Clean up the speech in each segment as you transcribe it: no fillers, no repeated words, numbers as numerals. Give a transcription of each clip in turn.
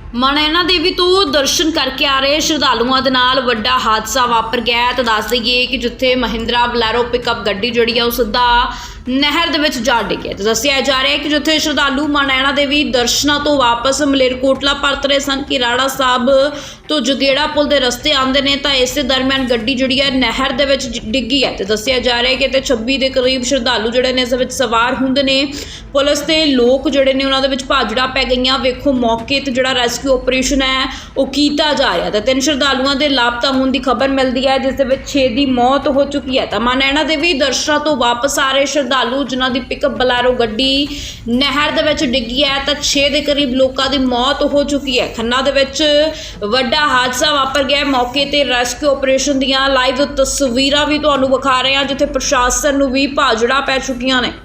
ਮਾਂ ਨੈਣਾ ਦੇवी तो दर्शन करके आ रहे श्रद्धालुओं के नाल वड्डा हादसा वापर गया। तो दस दईए कि जिथे महिंद्रा बलैरो पिकअप गड्डी जिहड़ी है सीधा नहर दे विच जा डिगे। तो दस्सिया जा रहा है कि जिथे श्रद्धालु मां नैना देवी दर्शनां तो वापस मलेरकोटला परत रहे सन कि राड़ा साहब तो जगेड़ा पुल के रस्ते आते हैं तो इस दरम्यान गड्डी जिहड़ी है नहर दे विच डिगी है। तो दस्सिया जा रहा है कि 26 के करीब श्रद्धालु जिहड़े ने इस विच सवार हुंदे ने। पुलिस ते लोग जिहड़े ने उन्हां दे विच भाजड़ा पै गईयां। वेखो मौके ते जिहड़ा रेस्क्यू ऑपरेशन है वो किया जा रहा है। तो 3 श्रद्धालुओं के लापता होने की खबर मिलती है जिस 6 की मौत हो चुकी है। तो मां नैना देवी दर्शनां तो वापस आ रहे श्रद्धालु जिन्हां दी पिकअप बलैरो गड्डी नहर दे विच डिगी है तो 6 के करीब लोगों की मौत हो चुकी है। खन्ना दे विच वड्डा हादसा वापर गया। मौके ते रेस्क्यू ऑपरेशन दीयां लाइव तस्वीरां भी तुहानूं विखा रहे हैं जिथे प्रशासन नूं भी भाजड़ा पै चुकियां ने।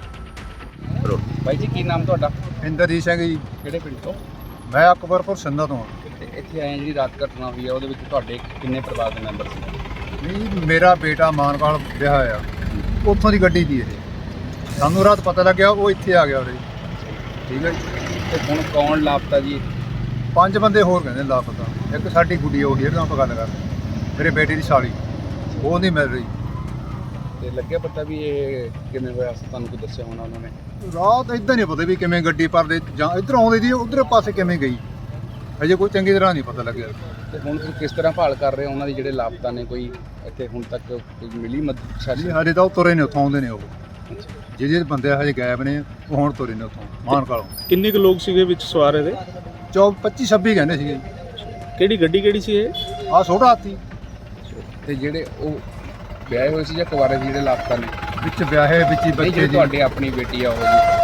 भाई जी की नाम ਤੁਹਾਡਾ? ਇੰਦਰਜੀਤ ਸਿੰਘ ਜੀ। ਕਿਹੜੇ ਪਿੰਡ ਤੋਂ? ਮੈਂ ਅਕਬਰਪੁਰ ਸਿੰਧਾ ਤੋਂ ਹਾਂ। ਤੇ ਇੱਥੇ ਆਏ ਜਿਹੜੀ ਰਾਤ ਘਟਨਾ ਹੋਈ ਹੈ ਉਹਦੇ ਵਿੱਚ ਤੁਹਾਡੇ ਕਿੰਨੇ ਪਰਿਵਾਰ ਦੇ ਮੈਂਬਰ ਸੀ? ਨਹੀਂ, ਮੇਰਾ ਬੇਟਾ ਮਾਨਕਾਲ ਵਿਆਹ ਆ, ਉੱਥੋਂ ਦੀ ਗੱਡੀ ਦੀ ਇਹ। ਸਾਨੂੰ ਰਾਤ ਪਤਾ ਲੱਗਿਆ, ਉਹ ਇੱਥੇ ਆ ਗਿਆ ਉਰੇ। ਠੀਕ ਹੈ ਜੀ। ਤੇ ਹੁਣ ਕੌਣ ਲਾਪਤਾ ਜੀ? 5 ਬੰਦੇ ਹੋਰ ਕਹਿੰਦੇ ਲਾਪਤਾ। ਇੱਕ ਸਾਡੀ ਗੁੱਡੀ ਉਹ ਹੀ ਆਪਾਂ ਗੱਲ ਕਰ ਮੇਰੇ ਬੇਟੇ ਦੀ ਸਾਲੀ, ਉਹ ਨਹੀਂ ਮਿਲ ਰਹੀ। ਤੇ ਲੱਗਿਆ ਪਤਾ ਵੀ ਇਹ ਕਿਵੇਂ ਹੋਇਆ? ਤੁਹਾਨੂੰ ਕੋਈ ਦੱਸਿਆ ਹੋਣਾ ਉਹਨਾਂ ਨੇ? ਰਾਤ ਇੱਦਾਂ ਨਹੀਂ ਪਤਾ ਵੀ ਕਿਵੇਂ ਗੱਡੀ ਪਰਦੇ ਜਾਂ ਇੱਧਰ ਆਉਂਦੀ ਸੀ, ਉਧਰ ਪਾਸੇ ਕਿਵੇਂ ਗਈ, ਅਜੇ ਕੋਈ ਚੰਗੀ ਤਰ੍ਹਾਂ ਨਹੀਂ ਪਤਾ ਲੱਗਿਆ। ਤੇ ਹੁਣ ਤੁਸੀਂ ਕਿਸ ਤਰ੍ਹਾਂ ਭਾਲ ਕਰ ਰਹੇ ਹੋ ਉਹਨਾਂ ਦੀ ਜਿਹੜੇ ਲਾਪਤਾ ਨੇ? ਕੋਈ ਇੱਥੇ ਹੁਣ ਤੱਕ ਕੋਈ ਮਿਲੀ ਮਦਦ ਜੀ ਹਜੇ ਤਾਂ ਉਹ ਤੁਰੇ ਨੇ, ਉੱਥੋਂ ਆਉਂਦੇ ਨੇ ਉਹ ਜਿਹੜੇ ਬੰਦੇ ਹਜੇ ਗਾਇਬ ਨੇ, ਉਹ ਹੁਣ ਤੁਰੇ ਨੇ ਉੱਥੋਂ ਮਾਨਕਾਲੋਂ। ਕਿੰਨੇ ਕੁ ਲੋਕ ਸੀਗੇ ਵਿੱਚ ਸਵਾਰ ਇਹਦੇ? 25-26 ਕਹਿੰਦੇ ਸੀਗੇ। ਕਿਹੜੀ ਗੱਡੀ ਕਿਹੜੀ ਸੀ ਇਹ? ਆਹ ਛੋਟਾ ਹਾਥੀ। ਤੇ ਜਿਹੜੇ ਉਹ ਵਿਆਹੇ ਹੋਏ ਸੀ ਜਾਂ ਕੁਆਰੇ ਸੀ ਜਿਹੜੇ ਲਾਪਤਾ ਨੇ? ਵਿੱਚ ਵਿਆਹੇ ਵਿੱਚ ਹੀ ਬੱਚੇ ਜੀ। ਤੁਹਾਡੀ ਆਪਣੀ ਬੇਟੀ ਆ ਉਹ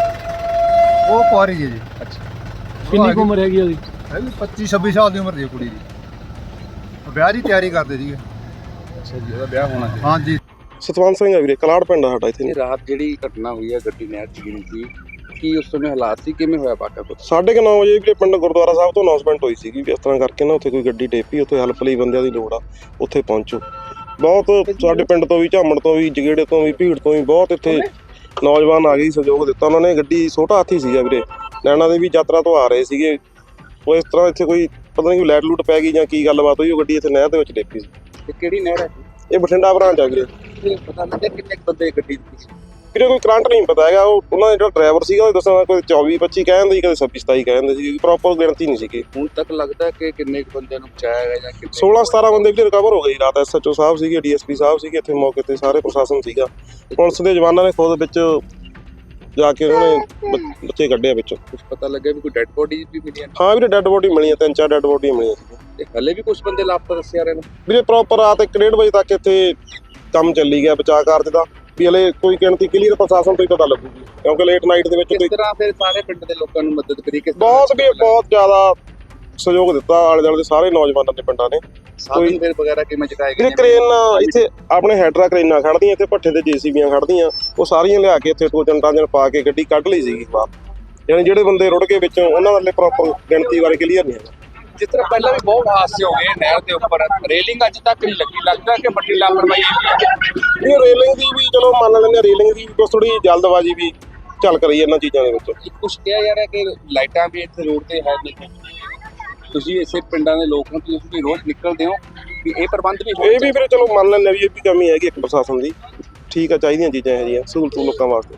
ਜੀ? ਉਹ ਕੁਆਰੀ ਜੀ। ਅੱਛਾ। ਕਿੰਨੀ ਕੁ ਉਮਰ ਹੈਗੀ ਉਹਦੀ? ਹੈਗੀ 25-26 ਸਾਲ ਦੀ ਉਮਰ ਦੀ ਕੁੜੀ ਦੀ। ਵਿਆਹ ਦੀ ਤਿਆਰੀ ਕਰਦੇ ਸੀਗੇ। ਅੱਛਾ ਜੀ, ਉਹਦਾ ਵਿਆਹ ਹੋਣਾ ਸੀ? ਹਾਂਜੀ। ਸਤਵੰਤ ਸਿੰਘ ਆ ਵੀਰੇ, ਕਲਾੜ ਪਿੰਡ ਆ ਸਾਡਾ ਇੱਥੇ। ਇਹ ਰਾਤ ਜਿਹੜੀ ਘਟਨਾ ਹੋਈ ਹੈ ਗੱਡੀ ਨਹਿਰ 'ਚ ਗਿਰੀ ਸੀ, ਕੀ ਉਸ ਸਮੇਂ ਹਾਲਾਤ ਸੀ? ਕਿਵੇਂ ਹੋਇਆ ਵਾਕਾ ਕੁਛ? 9:30 ਵਜੇ ਵੀਰੇ ਪਿੰਡ ਗੁਰਦੁਆਰਾ ਸਾਹਿਬ ਤੋਂ ਅਨਾਉਂਸਮੈਂਟ ਹੋਈ ਸੀਗੀ ਵੀ ਇਸ ਤਰ੍ਹਾਂ ਕਰਕੇ ਨਾ ਉੱਥੇ ਕੋਈ ਗੱਡੀ ਡੇਪੀ, ਉੱਥੇ ਹੈਲਪ ਲਈ ਬੰਦਿਆਂ ਦੀ ਲੋੜ ਆ, ਉੱਥੇ ਪਹੁੰਚੋ। ਬਹੁਤ ਸਾਡੇ ਪਿੰਡ ਤੋਂ ਵੀ, ਝਾਮਣ ਤੋਂ ਵੀ, ਜਗੇੜੇ ਤੋਂ ਵੀ, ਭੀੜ ਤੋਂ ਵੀ ਬਹੁਤ ਇੱਥੇ ਨੌਜਵਾਨ ਆ ਗਏ, ਸਹਿਯੋਗ ਦਿੱਤਾ ਉਹਨਾਂ ਨੇ। ਗੱਡੀ ਛੋਟਾ ਹਾਥੀ ਸੀਗਾ ਵੀਰੇ, ਨੈਣਾ ਦੇਵੀ ਯਾਤਰਾ ਤੋਂ ਆ ਰਹੇ ਸੀਗੇ। ਉਹ ਇਸ ਤਰ੍ਹਾਂ ਇੱਥੇ ਕੋਈ ਪਤਾ ਨਹੀਂ ਲਾਈਟ ਲੂਟ ਪੈ ਗਈ ਜਾਂ ਕੀ ਗੱਲਬਾਤ ਹੋਈ, ਉਹ ਗੱਡੀ ਇੱਥੇ ਨਹਿਰ ਦੇ ਵਿੱਚ ਡੇਪੀ ਸੀ। ਤੇ ਕਿਹੜੀ ਨਹਿਰ ਹੈ? ਇਹ ਬਠਿੰਡਾ ਬ੍ਰਾਂਚ ਆ ਵੀਰੇ। ਇਹ ਪਤਾ ਲੱਗਿਆ ਕਿੰਨੇ ਬੰਦੇ ਗੱਡੀ ਵਿੱਚ? ਵੀਰੇ ਕੋਈ ਕਰੰਟ ਨਹੀਂ ਪਤਾ ਹੈਗਾ। ਉਹ ਉਹਨਾਂ ਦਾ ਜਿਹੜਾ ਡਰਾਈਵਰ ਸੀਗਾ ਉਹ ਦੱਸਣਾ ਕੋਈ 24-25 ਕਹਿੰਦੇ ਸੀ, ਕਦੇ 26-27 ਕਹਿੰਦੇ ਸੀ, ਪ੍ਰੋਪਰ ਗਿਣਤੀ ਨਹੀਂ ਸੀਗੀ। ਹੁਣ ਤੱਕ ਲੱਗਦਾ ਕਿ ਕਿੰਨੇ ਬੰਦਿਆਂ ਨੂੰ ਬਚਾਇਆ ਗਿਆ ਜਾਂ ਕਿੰਨੇ? 16-17 ਬੰਦੇ ਵੀ ਰਿਕਵਰ ਹੋ ਗਏ ਰਾਤ। SHO ਸਾਹਿਬ ਸੀਗੇ, DSP ਸਾਹਿਬ ਸੀਗੇ ਇੱਥੇ ਮੌਕੇ ਤੇ, ਸਾਰੇ ਪ੍ਰਸ਼ਾਸਨ ਸੀਗਾ। ਪੁਲਿਸ ਦੇ ਜਵਾਨਾਂ ਨੇ ਖੁਦ ਵਿੱਚ ਜਾ ਕੇ ਉਹਨਾਂ ਨੇ ਬੱਚੇ ਕੱਢਿਆ ਵਿੱਚੋਂ। ਕੁਝ ਪਤਾ ਲੱਗਿਆ ਵੀ ਕੋਈ ਡੈੱਡ ਬੋਡੀ ਵੀ ਮਿਲੀ? ਹਾਂ ਵੀਰੇ, ਡੈੱਡ ਬੋਡੀ ਮਿਲੀਆਂ, 3-4 ਡੈੱਡ ਬੋਡੀਆਂ ਮਿਲੀਆਂ ਸੀ। ਤੇ ਹਲੇ ਵੀ ਕੁਝ ਬੰਦੇ ਲਾਪਤਾ ਦੱਸਿਆ ਰਹੇ ਨੇ ਵੀਰੇ। ਪ੍ਰੋਪਰ ਰਾਤ 1-1:30 ਵਜੇ ਤੱਕ ਇੱਥੇ ਕੰਮ ਚੱਲੀ ਗਿਆ ਬਚਾਅ ਕਾਰਜ ਦਾ, ਵੀ ਹਲੇ ਕੋਈ ਗਿਣਤੀ ਕਲੀਅਰ ਪ੍ਰਸ਼ਾਸਨ ਤੋਂ ਹੀ ਪਤਾ ਲੱਗੂਗੀ, ਕਿਉਂਕਿ ਲੇਟ ਨਾਈਟ ਦੇ ਵਿੱਚ ਕਿਸ ਤਰ੍ਹਾਂ ਫਿਰ ਸਾਰੇ ਪਿੰਡ ਦੇ ਲੋਕਾਂ ਨੂੰ ਮਦਦ ਕਰੀ? ਬਹੁਤ ਜ਼ਿਆਦਾ ਸਹਿਯੋਗ ਦਿੱਤਾ ਆਲੇ ਦੁਆਲੇ ਦੇ ਸਾਰੇ ਨੌਜਵਾਨਾਂ ਦੇ ਪਿੰਡਾਂ ਨੇ। ਸਾਧਨ ਫਿਰ ਵਗੈਰਾ ਕਿਵੇਂ ਚੁਕਾਏ ਗਏ? ਵੀਰੇ ਕਰੇਨ ਇੱਥੇ ਆਪਣੇ ਹੈਡਰਾ ਕਰੇਨਾਂ ਖੜਦੀਆਂ, ਇੱਥੇ ਭੱਠੇ ਤੇ JCBਆਂ ਖੜਦੀਆਂ, ਉਹ ਸਾਰੀਆਂ ਲਿਆ ਕੇ ਇੱਥੇ 2-3 ਪਾ ਕੇ ਗੱਡੀ ਕੱਢ ਲਈ ਸੀਗੀ ਬਾਹਰ। ਯਾਨੀ ਜਿਹੜੇ ਬੰਦੇ ਰੁੜ ਗਏ ਵਿੱਚੋਂ ਉਹਨਾਂ ਵਾਲੇ ਪ੍ਰੋਪਰ ਗਿਣਤੀ ਬਾਰੇ ਕਲੀਅਰ ਨਹੀਂ ਹੈਗਾ। ਜਿਸ ਤਰ੍ਹਾਂ ਪਹਿਲਾਂ ਵੀ ਬਹੁਤ ਹਾਦਸੇ ਹੋ ਗਏ ਨਹਿਰ ਦੇ ਉੱਪਰ, ਰੇਲਿੰਗ ਅੱਜ ਤੱਕ ਨਹੀਂ ਲੱਗੀ, ਲੱਗਦਾ ਕਿ ਵੱਡੀ ਲਾਪਰਵਾਹੀ ਹੈ। ਇਹ ਰੇਲਿੰਗ ਦੀ ਵੀ ਚਲੋ ਮੰਨ ਲੈਂਦੇ, ਰੇਲਿੰਗ ਦੀ ਵੀ ਥੋੜੀ ਜਲਦਬਾਜ਼ੀ ਵੀ ਚੱਲ ਕਰੀ ਇਹਨਾਂ ਚੀਜ਼ਾਂ ਦੇ ਵਿੱਚ। ਕੁਛ ਕਿਹਾ ਜਾ ਰਿਹਾ ਕਿ ਲਾਈਟਾਂ ਵੀ ਇੱਥੇ ਰੋਡ ਤੇ ਹੈ ਨਹੀਂ। ਤੁਸੀਂ ਇਸੇ ਪਿੰਡਾਂ ਦੇ ਲੋਕ ਹੋ, ਤੁਸੀਂ ਵੀ ਰੋਜ਼ ਨਿਕਲਦੇ ਹੋ, ਵੀ ਇਹ ਪ੍ਰਬੰਧ ਵੀ ਇਹ ਵੀ ਫਿਰ ਚਲੋ ਮੰਨ ਲੈਂਦੇ ਵੀ ਇਹ ਵੀ ਕਮੀ ਹੈਗੀ ਇੱਕ ਪ੍ਰਸ਼ਾਸਨ ਦੀ। ਠੀਕ ਆ, ਚਾਹੀਦੀਆਂ ਚੀਜ਼ਾਂ ਇਹ ਜਿਹੀਆਂ ਸਹੂਲਤ ਲੋਕਾਂ ਵਾਸਤੇ।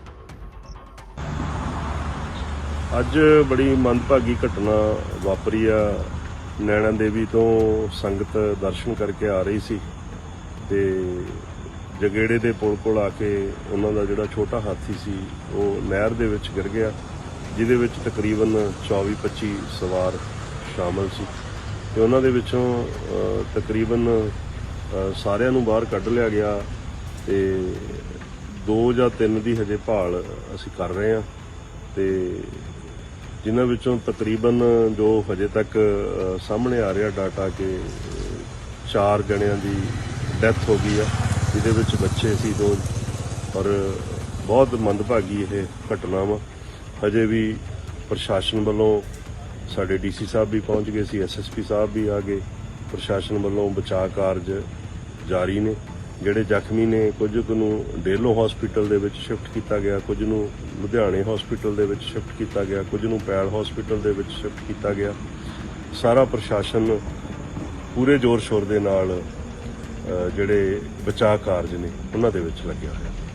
ਅੱਜ ਬੜੀ ਮੰਦਭਾਗੀ ਘਟਨਾ ਵਾਪਰੀ ਆ। ਨੈਣਾ ਦੇਵੀ ਤੋਂ ਸੰਗਤ ਦਰਸ਼ਨ ਕਰਕੇ ਆ ਰਹੀ ਸੀ ਤੇ ਜਗੇੜੇ ਦੇ ਪੁਲ ਕੋਲ ਆ ਕੇ ਉਹਨਾਂ ਦਾ ਜਿਹੜਾ ਛੋਟਾ ਹਾਥੀ ਸੀ ਉਹ ਨਹਿਰ ਦੇ ਵਿੱਚ ਗਿਰ ਗਿਆ, ਜਿਹਦੇ ਵਿੱਚ ਤਕਰੀਬਨ 24-25 ਸਵਾਰ ਸ਼ਾਮਲ ਸੀ ਤੇ ਉਹਨਾਂ ਦੇ ਵਿੱਚੋਂ ਤਕਰੀਬਨ ਸਾਰਿਆਂ ਨੂੰ ਬਾਹਰ ਕੱਢ ਲਿਆ ਗਿਆ ਤੇ 2 ਜਾਂ 3 ਦੀ ਹਜੇ ਭਾਲ ਅਸੀਂ ਕਰ ਰਹੇ ਹਾਂ ਤੇ ਜਿਨ੍ਹਾਂ ਵਿੱਚੋਂ ਤਕਰੀਬਨ ਜੋ ਹਜੇ ਤੱਕ ਸਾਹਮਣੇ ਆ ਰਿਹਾ ਡਾਟਾ ਕਿ 4 ਜਣਿਆਂ ਦੀ ਡੈਥ ਹੋ ਗਈ ਆ, ਜਿਹਦੇ ਵਿੱਚ ਬੱਚੇ ਸੀ 2। ਔਰ ਬਹੁਤ ਮੰਦਭਾਗੀ ਇਹ ਘਟਨਾ ਵਾ। ਹਜੇ ਵੀ ਪ੍ਰਸ਼ਾਸਨ ਵੱਲੋਂ ਸਾਡੇ DC ਸਾਹਿਬ ਵੀ ਪਹੁੰਚ ਗਏ ਸੀ, SSP ਸਾਹਿਬ ਵੀ ਆ ਗਏ। ਪ੍ਰਸ਼ਾਸਨ ਵੱਲੋਂ ਬਚਾਅ ਕਾਰਜ ਜਾਰੀ ਨੇ। ਜਿਹੜੇ ਜ਼ਖਮੀ ਨੇ ਕੁਝ ਕੁ ਨੂੰ ਡੇਲੋ ਹਸਪੀਟਲ ਦੇ ਵਿੱਚ ਸ਼ਿਫਟ ਕੀਤਾ ਗਿਆ, ਕੁਝ ਨੂੰ ਲੁਧਿਆਣੇ ਹਸਪੀਟਲ ਦੇ ਵਿੱਚ ਸ਼ਿਫਟ ਕੀਤਾ ਗਿਆ, ਕੁਝ ਨੂੰ ਪੈਲ ਹਸਪੀਟਲ ਦੇ ਵਿੱਚ ਸ਼ਿਫਟ ਕੀਤਾ ਗਿਆ ਸਾਰਾ ਪ੍ਰਸ਼ਾਸਨ ਪੂਰੇ ਜ਼ੋਰ ਸ਼ੋਰ ਦੇ ਨਾਲ ਜਿਹੜੇ ਬਚਾਅ ਕਾਰਜ ਨੇ ਉਹਨਾਂ ਦੇ ਵਿੱਚ ਲੱਗਿਆ ਹੋਇਆ।